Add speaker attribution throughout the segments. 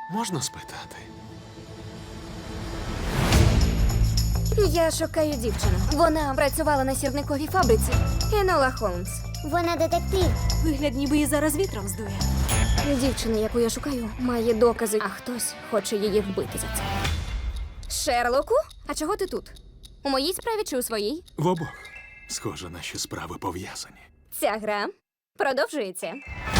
Speaker 1: Можна спитати?
Speaker 2: Я шукаю дівчину. Вона працювала на сірниковій фабриці. Енола Холмс.
Speaker 3: Вона детектив.
Speaker 4: Вигляд, ніби її зараз вітром здує.
Speaker 2: Дівчина, яку я шукаю, має докази, а хтось хоче її вбити за це. Шерлоку? А чого ти тут? У моїй справі чи у своїй?
Speaker 1: В обох. Схоже, наші справи пов'язані.
Speaker 2: Ця гра продовжується.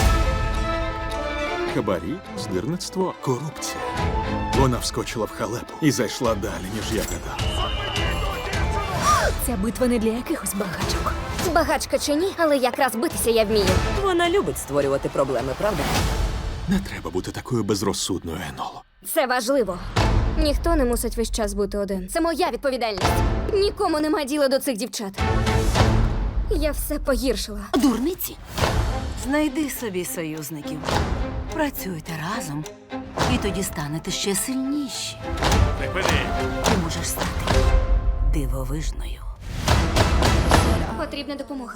Speaker 1: Хабарі, здирництво, корупція. Вона вскочила в халепу і зайшла далі, ніж я гадав.
Speaker 4: Ця битва не для якихось багачок.
Speaker 2: Багачка чи ні, але якраз битися я вмію.
Speaker 5: Вона любить створювати проблеми, правда?
Speaker 1: Не треба бути такою безрозсудною, Еноло.
Speaker 2: Це важливо. Ніхто не мусить весь час бути один. Це моя відповідальність. Нікому нема діла до цих дівчат. Я все погіршила.
Speaker 4: Дурниці. Знайди собі союзників. Працюйте разом, і тоді станете ще сильніші. Ти можеш стати дивовижною.
Speaker 2: Потрібна допомога.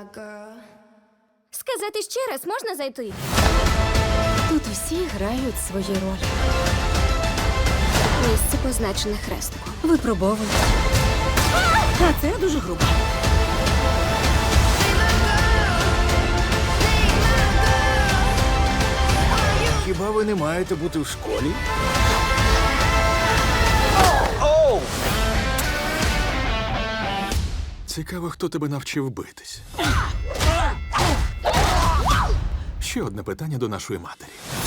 Speaker 2: Сказати ще раз, можна зайти?
Speaker 4: Тут усі грають свої ролі.
Speaker 2: Місце позначене хрестиком.
Speaker 4: Випробовують. А це дуже грубо.
Speaker 6: Хіба ви не маєте бути в школі?
Speaker 1: Цікаво, хто тебе навчив битись. Ще одне питання до нашої матері.